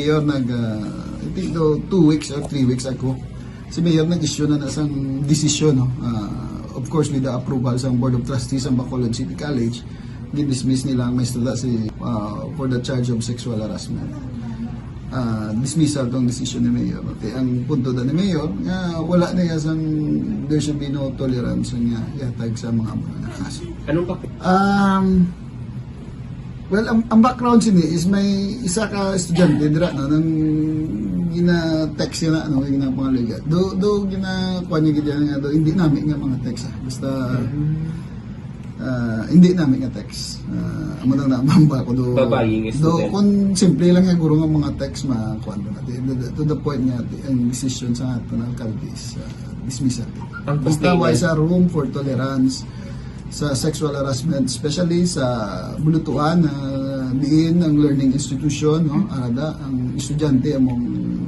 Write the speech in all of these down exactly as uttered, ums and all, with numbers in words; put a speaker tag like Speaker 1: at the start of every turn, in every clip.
Speaker 1: Mayor nag, uh, I think do, two weeks or three weeks ago, si Mayor nag-issue na isang desisyon, no? Uh, of course, with the approval sa Board of Trustees ng Bacolod City College, gin-dismiss nila ang maestra si uh, for the charge of sexual harassment. Uh, dismissal tong decision ni Mayor. Okay, ang punto da ni Mayor, nga wala na yasang there should be no tolerance nga yatag sa mga mga kaso.
Speaker 2: Anong pa?
Speaker 1: Um, well, ang, ang background sini is may isa ka estudyante dira no nang gina-text niya na ano gina pangaliga. Do do gina kuan niya gid nga do hindi namin nga mga text ah. Basta uh, hindi namin nga text. Uh, amo nang namamba ko do.
Speaker 2: Babaying
Speaker 1: Do
Speaker 2: student.
Speaker 1: kun simple lang nga guro nga mga text ma kuan do natin. To the point nga ang decision sa ato ng alcalde is uh, dismissal.
Speaker 2: Ang
Speaker 1: Basta why
Speaker 2: complainant-
Speaker 1: sa room for tolerance sa sexual harassment, especially sa bulutuan na uh, diin ang learning institution, no? Arada ang estudyante among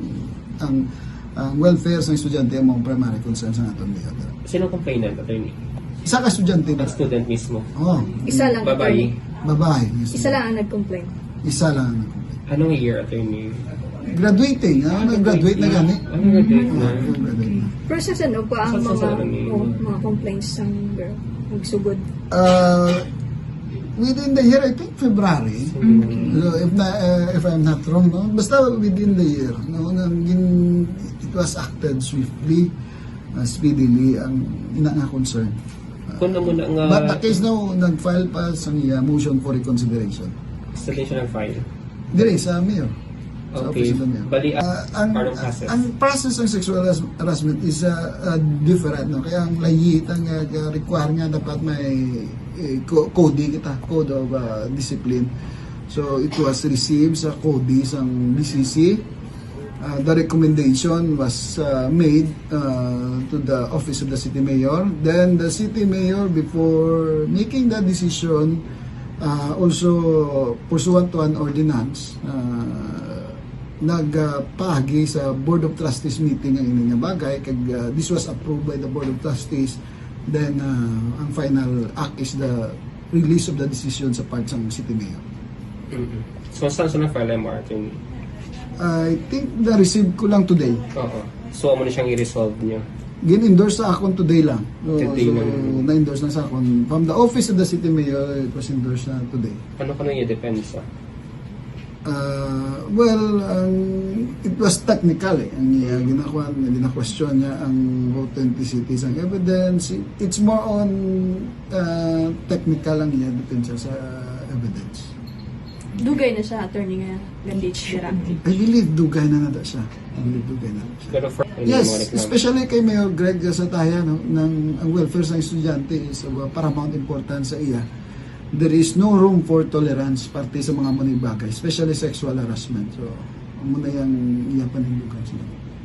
Speaker 1: ang ang welfare sa estudyante among primary concern sa aton niya.
Speaker 2: Sino complainant, attorney?
Speaker 1: Isa ka estudyante ba?
Speaker 2: Ang student mismo.
Speaker 1: Oh,
Speaker 3: Isa lang.
Speaker 2: Babae.
Speaker 1: babae.
Speaker 3: Isa lang ang nag-complain.
Speaker 1: Isa lang.
Speaker 2: Anong year, attorney?
Speaker 1: Graduating, ah, nag-graduate na gani.
Speaker 2: Anong graduate na?
Speaker 1: Ah, graduate na.
Speaker 3: Pero sa ano pa ang
Speaker 2: Sa- sa-
Speaker 3: mga,
Speaker 2: sa- ano,
Speaker 3: oh, mga complaints ng girl? Nagsugod.
Speaker 1: Uh, within the year, I think February. So, if na, uh, if I'm not wrong, no? Basta within the year, no? Nang gin- it was acted swiftly, uh, speedily, ang ina nga concern.
Speaker 2: Kung na muna nga
Speaker 1: But the case now, nag-file pa sa niya motion for reconsideration.
Speaker 2: installation ng file.
Speaker 1: Dire sa mayor. Sa
Speaker 2: Okay.
Speaker 1: office ng mayor.
Speaker 2: Bali,
Speaker 1: Ah, ang,
Speaker 2: part of process.
Speaker 1: ang process ng sexual harass- harassment is uh, uh, different. No? Kaya ang layit, ang uh, require nga dapat may eh, co- code kita, code of uh, discipline. So it was received sa code ng B C C. Uh, the recommendation was uh, made uh, to the office of the city mayor. Then the city mayor, before making that decision, uh, also pursuant to an ordinance, uh, nagpahagi sa Board of Trustees meeting ang inyong bagay. Kag, uh, this was approved by the Board of Trustees. Then, uh, ang final act is the release of the decision sa part ng city mayor.
Speaker 2: Mm-hmm. So, saan sa na-file M R, attorney?
Speaker 1: I think na-receive ko lang today.
Speaker 2: Oo. So, amo na siyang i-resolve niyo.
Speaker 1: Gin-endorse sa akon today lang. So,
Speaker 2: Today
Speaker 1: so,
Speaker 2: lang.
Speaker 1: na-endorse na sa akon. From the office of the city mayor, it was endorsed na today.
Speaker 2: Ano ka nang i-depensa?
Speaker 1: Uh, well, ang it was technical eh. Ang uh, ginakuha, gina-question niya ang authenticity sa evidence. It's more on uh, technical ang iya depende sa evidence.
Speaker 3: Dugay na siya, attorney nga, gandich dira.
Speaker 1: I believe dugay na nada siya. I believe dugay na siya.
Speaker 2: Pero for
Speaker 1: Yes,
Speaker 2: mga reklamo.
Speaker 1: especially kay Mayor Greg Sataya, no, ng ang welfare sa estudyante is of uh, paramount importance sa iya. There is no room for tolerance parte sa mga manibagay, especially sexual harassment. So, muna yung iya panindugan sila.